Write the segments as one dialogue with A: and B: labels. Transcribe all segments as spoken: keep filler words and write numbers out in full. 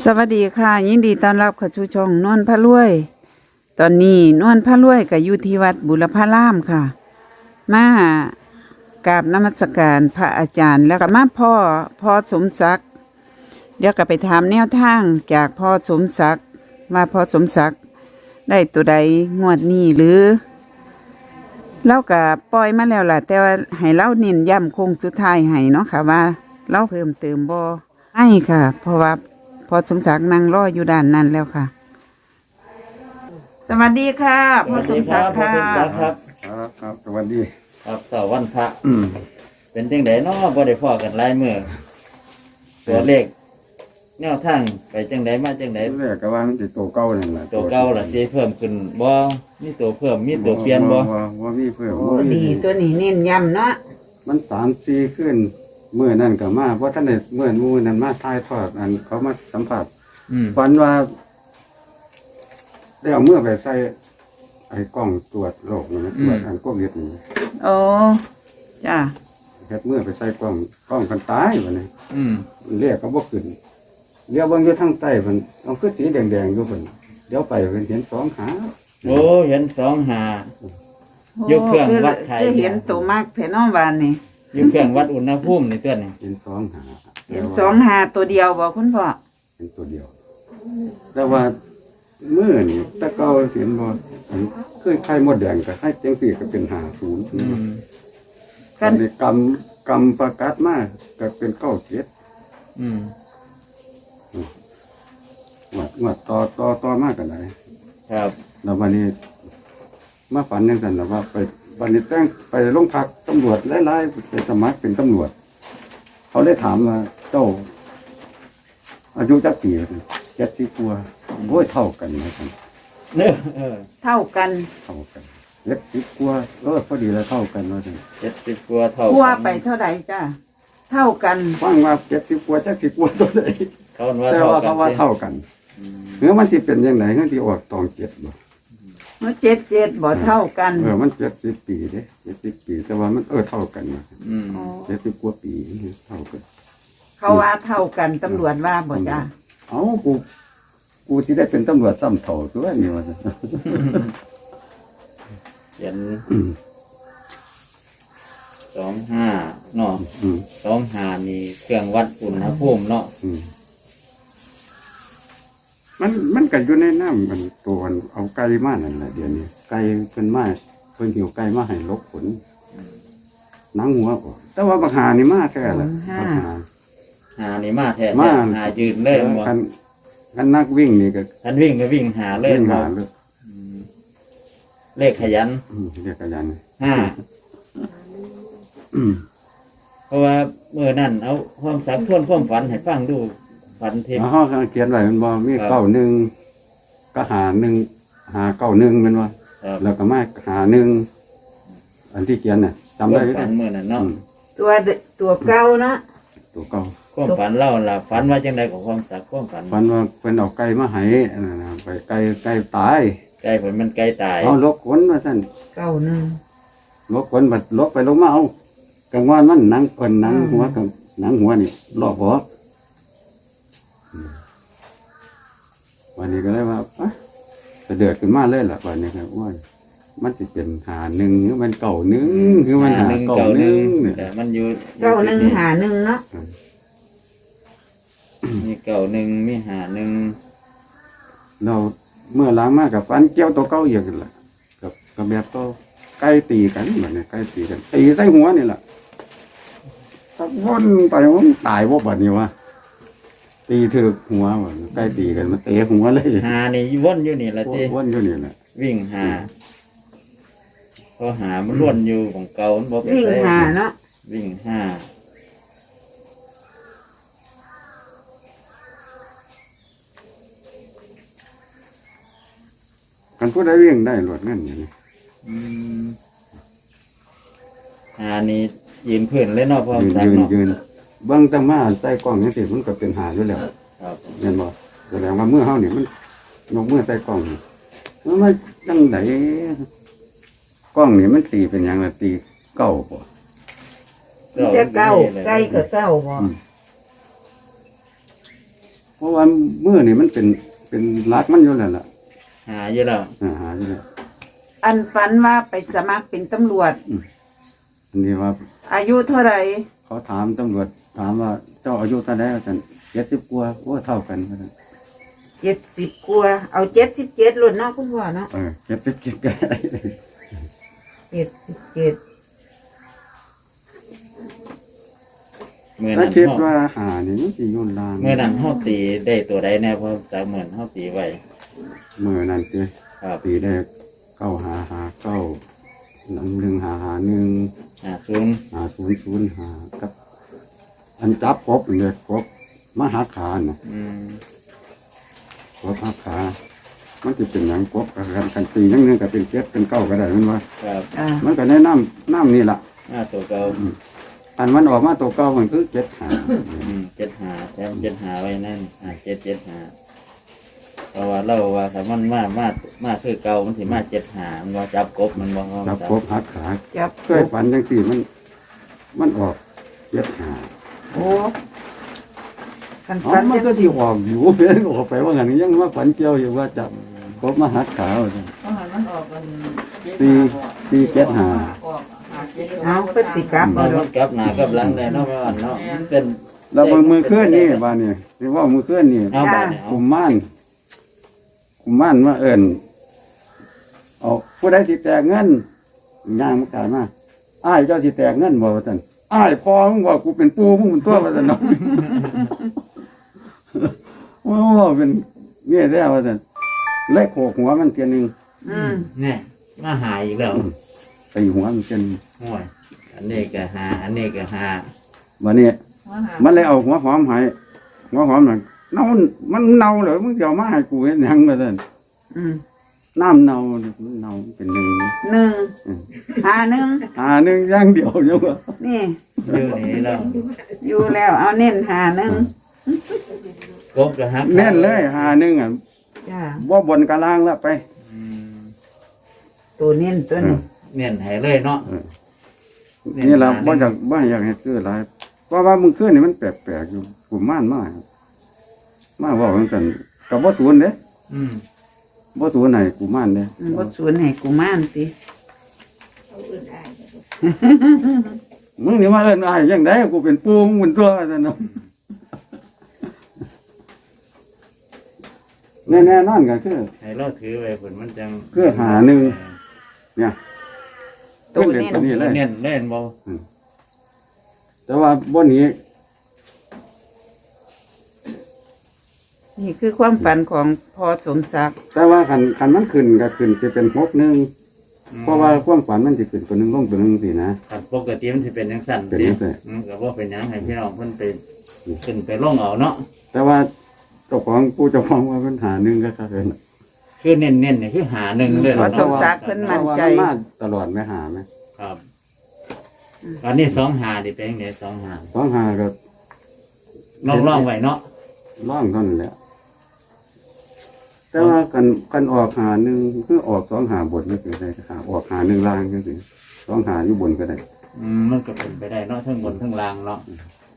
A: สวัสดีค่ะยินดีต้อนรับเข้าสู่ช่องนวลพระรวยตอนนี้นวลพระรวยก็อยู่ที่วัดบุรพารามค่ะมากราบนมัสการพระอาจารย์แล้วก็มาพ่อพ่อสมศักดิ์เดี๋ยวก็ไปถามแนวทางจากพ่อสมศักดิ์ว่าพ่อสมศักดิ์ได้ตัวใดงวดนี้หรือเล่าก็ปล่อยมาแล้วล่ะแต่ว่าให้เล่าเน้นย้ำโคงสุดท้ายให้เนาะค่ะว่าเล่าเพิ่มเติมบ่ให้ค่ะเพราะว่าพอสมศักดิ์นั่งรออยู่ด้านนั้นแล้วค่ะสวัสดีค่ะพอสมศักดิ์ค่ะ
B: พ่อสมศักดิ์ครับ
C: ครับครับสวัสดี
B: ครับเสาร์วันพระ
C: อืม
B: เป็นจังไดเนาะบ่ได้พ้อกันหลายมื้อตัวเลขแนวทางไปจังไดมาจังได
C: แรกก็ว่ามันสิตัวเก่านั่นแหละ
B: ตัวเก่าล่ะสิเพิ่มขึ้นบ่มีตัวเพิ่มมีตัวเปลี่ยนบ่
C: ว่าว่ามีเพิ่ม
A: โอ้ดีตัวนี้เน้นย้ำเนาะ
C: มันสามสี่ขึ้นเมื่อนั่นก็มาเพราะท่านได้เมื่อมื้อนั้นมาถ่ายทอดอันเขามาสัมผัส
B: อืม
C: ฝันว่าได้เอาเมื่อไปใส่ไอ้กล้องตรวจโรคนี่นะตรวจอันโควิดนี่
A: โอ้จ้า
C: เฮ็ดเมื่อไปใส่กล้องกล้องกันตายบัดนี้
B: อืม
C: เรียกก็บ่ขึ้นเลี้ยวเบิ่งอยู่ทางใต้เพิ่นเอาคือสีแดงๆอยู่เพิ่นเดี๋ยวไปเพิ่นเห็นสองขา
B: โอ้เห็นสองหา ยกเครื่องวัดไข่
A: คือเห็นตัวมากแผ่นอ้อมวานนี่
B: อยู่เครื่องวัดอุณหภูมินี่ตัวนี้
C: เห็นสองหา
A: เห็นสองหาตัวเดียวบอกคุณพ่อ
C: เป็นตัวเดียว แต่ว่าเมื่อนี่ตะเกาเสียนบออันเคยไข่มดแดงกับไข่เจียงสี่ก็เป็นหาศูนย์
B: อืม
C: กันในกำกำประกาศมากก็เป็นเก้าเจ็ด
B: อืม
C: หวัดหวัดต่อต่อต่อมากกันไหน
B: ครับ
C: แล้ววันนี้มาฝันยังสันแล้วว่าไปวันนี้แต่งไปโรงพักตำรวจไล่ๆไปสมัครเป็นตำรวจ เขาได้ถามว่าเจ้า อายุจักปีเจ็ดสิบกว่าโอ้ยเท่ากันนะครับ
B: เนอะเออ
A: เท่ากัน
C: เท่ากันเจ็ดสิบกว่าเออพอดีแล้วเท่ากันว่าจัง
B: เจ็ดสิบกว่าเท่า
A: พัว
B: กัน
A: ไปเท่าไหร่จ้าเท่ากัน
C: ฟังว่าเจ็ดสิบกว่าจักสิบกว่าตัวใด
B: เขาว่า
C: แต่
B: เท่า
C: ว่า
B: กัน
C: เขาว่า
B: สิ
C: เท่ากัน
B: อืม
C: เนื้อมันที่เป็นยังไงเนื้อที่ออกตองเจ็ดบ่
A: เมื่อเจ็ดเจ็ดบ่เท่ากัน
C: เออมันเจ็ดสิบปีเด้เจ็ดสิบปี แต่ว่ามันเออเท่ากันนะ
B: อืม
A: อ๋อ
C: เจ็ดสิบกว่าปีเท่ากัน
A: เขาว่าเท่ากันตำรวจว่าบ่จ้า
C: เอ้ากูกูที่ได้เป็นตำรวจซ้ำเท่าตัวนี่ว่า
B: เขียนสองห้าเนาะ
C: อืม
B: สองห้ามีเครื่องวัดอุณหภูมิเนาะ
C: อืมมันมันก็อยู่ในน้ำมันตัวมันเอาไก่มานั่นแหละเดี๋ยวนี้ไก่เพิ่นมาเพิ่นหิวไก่มาให้ลกขนหนังหัวบ่แต่ว่าบักหานี่มาแท้แหละบักหา
B: หานี่มาแท้
C: มา
B: หายืนเลยบ่
C: คันคันนักวิ่งนี่ก็
B: คันวิ่งก็วิ่งหาเลย
C: วิ่ง
B: บ่
C: หาเลย
B: อืมเลขขยัน
C: อืมเรียกกันยัน
B: ห้า
C: อืม
B: เพราะว่าเมื่อนั้นเอาความสักทวนความฝันให้ฟังดูฝันเทพ
C: แล้วห้องเขียนไว้มันบ่มี
B: ครับ
C: เก้าหนึ่งก็หาหนึ่งหาเก้าหนึ่งแมันว่า
B: ครับ
C: แล้วก็มาหาหนึ่งอันที่เขียนน่ะจำ
B: ควา
C: ได้
B: ม
C: ไหม
B: ฝันเมื่อนั้นเนาะ
C: อืม
A: ตัวเดตัวเก่าเนาะ
C: ตัวเก่า
B: ความฝันเล่าล่ะฝันว่าจังไดกับความสักความฝัน
C: ฝันว่าเป็นเอาไก่มาให้อันนั้นน่ะไปไก่ไก่ตาย
B: ไก่ผลมันไก่ตาย
C: เอาลกขนมาสั่น
A: เก้าหนึ่ง
C: ลกขนบัดลกไปลงมาเอากลางวันมันหนังเพิ่นหนัง
A: อืม
C: หัวกับหนังหัวนี่ลอกหัวอืมวันนี้ก็เลยว่าอ่ะจะเดือดขึ้นมาเลยล่ะวันนี้ครับว่ามันจะเป็นหาหนึ่งหรือมันเก่าหนึ่งหรือมันหา
B: หนึ่ง
C: เก่า
B: เก่า
C: ห
B: ห
C: นึ่
B: นึ่
C: ง
B: ง
C: เนี่ย
B: แต่มันอยู่
A: เก้าหนึ่งหาหนึ่งเนาะ
B: มีเก่าหนึ่งมีหาหนึ่ง
C: เราเมื่อล้างมากกับฟันเกี้ยวตัวเก่าอย่างกันละกับกับแบบตัวใกล้ตีกันแบบนี้ใกล้ตีกันตีใส่หัวนี่แหละตะวนไปมันตายว่าแบบนี้วะตีถือหัวแบบใกล้ตีกันมันเตะหัวเลย
B: หานี่วนอยู่นี่ละจี
C: วนอยู่นี่แหละ
B: วิ่งหาพอหามันล้วนอยู่ของเก่ามันบ่ไป
A: วิ่ง
B: ไส
A: หาเนาะ
B: วิ่งห้า
C: กันผู้ใดวิ่งได้หลวดนั่นอย่างนี้
B: อืมหานี่ยืนพื้นเลยเนาะพร้อม
C: ยืน
B: สัก
C: ยืน
B: เนาะ
C: ยืนเบื้องตั้งมาใส่กล้องนี่สิมันก็เป็นหาอยู่แล้ว
B: ครับ
C: เห็นบ่แสดงว่าเมื่อเฮานี่มันนกเมื่อใส่กล้องนี่มันไม่จังไดกล้องนี่มันตีเป็นหยังล่ะตีเก้าบ่
A: มีแต่เก้าไก่กับเก้าบ่
C: อืมเพราะว่ามือนี่มันเป็นเป็นรักมันอยู่แล้วล่ะ
B: หาอยู่แล้ว
C: อ่าหาอยู่แล้ว
A: อันฝันว่าไปสมัครเป็นตำรวจ
C: อันนี้ว่า
A: อายุเท่าไหร่
C: เขาถามตำรวจถามว่าเจ้าอายุเท่าไหร่กันเจ็ดสิบกว่าโอ้เท่ากันว่าซั่น
A: เจ็ดสิบกว่าเอาเจ็ดสิบเจ็ดรุ่นเนาะคุณพ่อเนาะ
C: เออเจ็ดสิบกิก็ได้
A: เจ็ดสิบเจ็ด
B: เมื่อ
C: ถ้า
B: นั้น
C: คิด
B: เฮา
C: ว่าหานี่มันสิโยนลาง
B: เมื่อนั้นเฮาตีได้ตัวใดแน่เพราะสามหมื่นเฮาตีไว้
C: มือนั่นสิ
B: ครับ
C: ปีแรกเก้าหาหาเก้าหนึ่งหนึ่งหาหาหนึ่ง
B: หาศูนย์
C: หาศูนย์ศูนย์หากับ อันจับกบเลยกบมหาขาเนาะ
B: อืม
C: กบหักขา มันจะเป็นอย่างกบกันกันตีอย่างหนึงก็เป็นเจ็ดเป็นเก้าก็ได้มันว่า
B: ครับ
A: อ่า
C: มันก็แนะน้ำน้ำนี่แหละ
B: หน้าตัวเก่า
C: อันมันออกมาตัวเก้ามันคือเจ็ดหา
B: อืมเจ็ดหาแถมเจ็ดหาไว้นั่นอ่าเจ็ดเจ็ดหาเพราะว่าเราว่าถ้ามันมามามาคือเก่ามันสิมาเจ็ดหามันว่าจับกบมันบ่
C: จับกบหักขา
A: จับ
C: เคยฝันจังสี่มัน มันออกเจ็ดหา
A: โอ้คัน
C: อ๋อ
A: ฝัน
C: มัน
A: จะ
C: ก็ที่ออกอยู่ เพื่อนออกไปว่างั้นยังว่าฝันเกี่ยวอยู่ว่าจับกบมาหักขาว่าซั่น สี่สี่เจ็ดหา
A: เอาเพิ่นสิกลับ
B: มั
A: เอา
B: น
A: ดอ
B: มั
A: ก
B: นกลับหน้ากลับหลังได้เนาะแม่วันเนาะมันเป็น
C: แล้วมือมือเคลื่อนนี่บ้านนี่ที่ว่ามือเคลื่อนนี่
B: เอาบาดเนี่ยเอา
C: กุมม่านกุมม่านมาเอิญเอาผู้ใดสิแตกเงินย่างมากลายมาอ้ายเจ้าสิแตกเงินบ่ว่าซั่นอ้ายพอมึงว่ากูเป็นปูมึงเป็นตัวว่าซั่นเนาะ โอ้เป็นเนี่ยแท้ว่าซั่นเล็กโขกหัวมันเทียหนึง
A: อืม
B: เนี่ยมาหาอีกแล้ว
C: ตีหัวมันเทียหนึง
B: โอ้ยอันนี้ก็หาอันนี้ก็หา
C: วันนี้มันเลยเอาหัวหอมให้หัวหอมน่ะเน่ามันเน่าเหรอมึงจะเอามาให้กูเฮ็ดหยังว่าซั่น
A: อืม
C: น้ำเน่ามันเน่าเป็นหนึ่ง
A: หนึ่งหาหนึ่ง
C: หาหนึ่งอย่างเดียวเยอะ
A: นี่
B: อยู่นี่แล้ว
A: อยู่แล้วเอาเน้นหาหนึ่ง
B: กบก็ฮัก
C: แน่นเลยหาหนึ่งอ่ะ
A: จ้า
C: ว่าบนกะล่างแล้วไป
B: อืม
A: ตัวเน้นตัวนี้
B: เน้นให้เลยเนาะ
C: นี่เราบ่อยากบ่อยากให้ซื้อหลายเพราะว่ามึงขึ้นนี่มันแปลกๆอยู่กลุ่มม่านมากมาว่าเหมือนกันกับบ่ศูนย์เด้
B: อืม
C: บ่ศูนย์ไหนกลุ่มม่านเด้
A: อืมบ่สวนให้กูม่านติ
C: มึงนี่มาเอิ้นอ้ายจังไดกูเป็นปูมึงเป็นตัวซั่นเนาะแน่ๆนอนก็คือ
B: ให้เราถือไว้ผลมันจัง
C: คือหาหนึ่ง เนี่ย
A: ตัว
C: เล่น
A: เน้น
C: ตัวนี้เลย
B: เน้นเล่นบ่
C: แต่ว่าบ่หนี้
A: นี่คือความฝันของพ่อสมศักดิ์
C: แต่ว่าคันคันมันขึ้นก็ขึ้นจะเป็นหกหนึ่งเพราะว่าความฝันมันจะขึ้นตัวหนึ่งลงตัวหนึ่งสินะ
B: ครับปกติมันสิเป็นจังซั่น
C: เป็นจังซั่น
B: อืมก็บ่เป็นหยังให้พี่น้องเพิ่นไปขึ้นไปลงเอาเนาะ
C: แต่ว่าเจ้าของผู้เจ้าของว่าปัญหาหนึ่งก็ถ้าเป็น
B: คือเน้นๆนี่คือหาหนึ่งเลย
A: พ่อ
B: เนาะ
A: สมศักดิ์เพิ่นมั่นใจ
C: เพราะว่ามันมาตลอดไม่หาไหม
B: ครับอันนี้สองหาดิเป็นจังได๋สองหา
C: สองหาก็
B: ลองลองไว้เนาะ
C: ล่องเท่านั้นแหละแต่ว่ากันกันออกหาหนึ่งคือออกสองหาบทไม่เป็นไรหาออกหาหนึ่งล่างก็คือสองหาอยู่บนก็ได้
B: อืมมันก็เป็นไปได้เนาะทั้งบนทั้งล่างเนาะ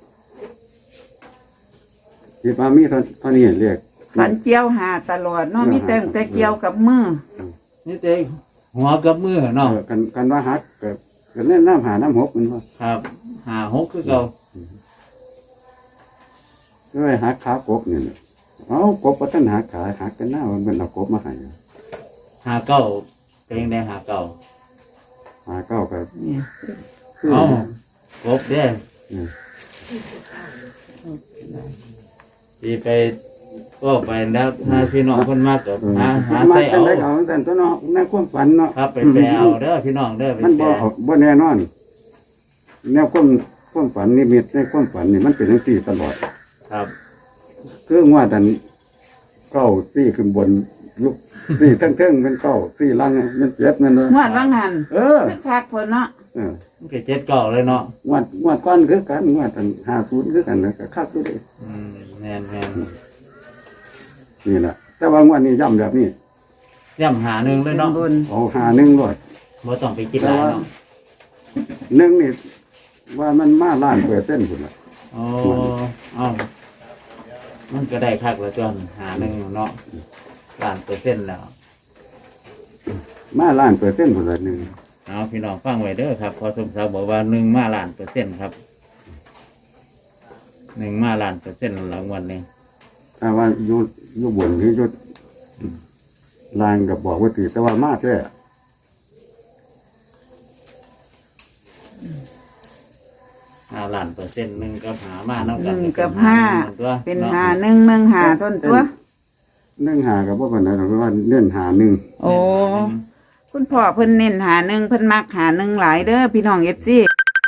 C: ที่ปามีเท่าเท่านี้เรียก
A: ฝันเกี่ยวหาตลอดเนาะมีแต่แต่เกี่ยวกับมือ
B: นี่เต้หัวกับมือเนาะ
C: เออกันกันว่าฮักก็ก็เล่นน้ำหาน้ำหกมันว่า
B: ครับหาหกคือเก่า
C: ก็เลยหักขากบเนี่ยเอากบปัตนหักขาหักกันหน้ามันเป็นเอากบมาให้
B: หาเก้าเป็นจังได๋หาเก้า
C: หาเก้าก็
A: นี่
C: คือ
B: เอ้ากบเด้
C: อืม
B: สิไปก็ไปแล้วถ้าพี่น้องเพิ่นมากก็
C: เออ
B: หาหา
C: มา
B: ใส่
C: จั
B: เอา
C: งได้เอาแต่ตัวเนาะในความฝันเนาะ
B: ครับไปแปลเอาเด้อพี่น้องเด้อไป
C: มัน
B: แปล
C: บ่เอาบ่แน่นอน แนวความความฝันนิมิตในความฝันนี่มันเป็นจังซี่ตลอด
B: ครับ
C: คืองว่าดันเก้าซี่ขึ้นบนลุกซี่เทิงๆเป็นเก้าซี่ล่างมันเจ็ดมันเนาะ
A: งวดว่างหัน
C: เออ
A: คือคักเพิ่นเนาะ
C: เออ
B: มันก็เจ็ดเก้าเลยเนาะ
C: งวดงวดก้อนคือกันงวดอันห้าศูนย์คือกันแล้วก็คักอยู่เด้
B: อืมแม่นแม่น
C: นี่แหละแต่ว่างวดนี้ย่ำแบบนี้
B: ย่ำหาหนึ่งเลยเนาะ
A: บน
C: เอาหาหนึ่งรอด
B: บ่ต้องไปคิดหลายเนาะ
C: หนึ่งนี่ว่ามันมาล้านเปอร์เซ็นต์พุ่นละ
B: โอ้เอ้ามันก็ได้คักแล้วจนหาหนึ่งเนาะล้านเปอร์เซ็นต์แล้ว
C: มาล้านเปอร์เซ็นต์พุ่นละหนึ่ง
B: เอาพี่น้องฟังไว้เด้อครับพอสมศักดิ์บอกว่าหนึ่งมาล้านเปอร์เซ็นต์ครับหนึ่งมาล้านเปอร์เซ็นต์หลังวันนี้
C: ถ้าว่าอยู่อยู่บนหรืออยู่ลางกับบอกว่าตีแต่ว่ามากแค่
B: ห้าล้านเปอร์เซ็นต์หนึ่งกับหามาน้ำ
A: ห
B: กัน
A: นึ่งกับห้า
B: ตัว
A: เป็น
B: อะ
A: หาหนึ่งหนึ่งหาต้นตัว
C: เนื่องหากับว่าปัญหาเพราะว่าเน้นหาหนึ่ง
A: โอ้คุณพ่อเพิ่นเน้นหาหนึ่งเพิ่นมักหาหนึ่งหลายเด้อพี่น้องเอฟซี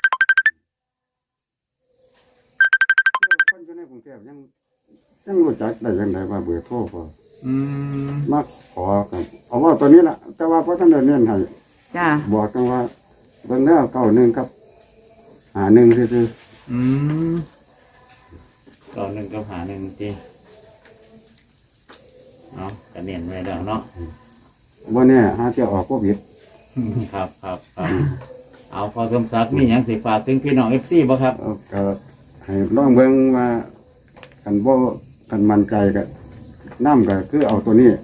C: คนอยู่ในกรุงเทพยังยังรู้จักได้ยังไงว่าเบอร์โทรพอ
B: อืม
C: มาขอกันเอาว่าตัวนี้แหละแต่ว่าเพราะท่านเดินเน้นให้
A: จ้า
C: บอกกันว่าเบิ่งแล้วเก้าหนึ่งครับหาหนึ่งซื่อ
B: อืมต่อหนึ่งกับหาหนึ่งทีเอากระเนียนไว้แล้วเนาะ
C: ๆว่าเนี่ยหาเที่ยวออกโควิด
B: ครับครับครับเอาพอสมศักดิ์มีอย่างสิฝากถึงพี่น้องเอฟซีบ่ครับ
C: เอาก็ให้ลองเบิ่งว่ากันบ่กันมั่นใจก็น้ำก็คือเอาตัวนี้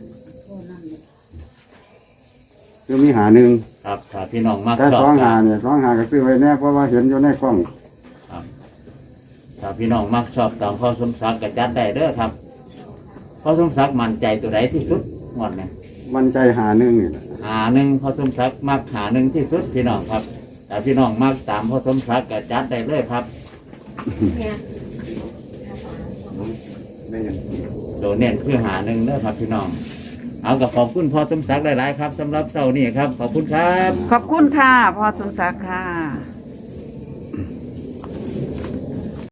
C: คือมีหาหนึ่ง
B: ครับถ้าพี่น้องมัก
C: แต่
B: ชอบ
C: สอง
B: กั
C: หาน เนี่ยสองหาก็ซื้อไว้แน่เพราะว่าเห็นอยู่ในกล้อง
B: ครับถ้าพี่น้องมักชอบตามพ่อสมศักดิ์ก็จัดได้เด้อครับพ่อสมศักดิ์มั่นใจตัวใดที่สุดงวดเนี่ย
C: มันใจหาหนึ่งนี่แหละ
B: หาหนึ่งพ่อสมศักดิ์มักหาหนึ่งที่สุดพี่น้องครับแต่พี่น้องมักตามพ่อสมศักดิ์ก็จัดได้เลยครับ
C: ได้ยัง
B: ตัวเน้นคือหาหนึ่งเด้อครับพี่น้อง เอากับขอบคุณพ่อสมศักดิ์หลายๆครับสำหรับเสาร์นี้ครับ ขอบคุณครับ
A: ขอบคุณค่ะพ่อสมศักดิ์ค่ะ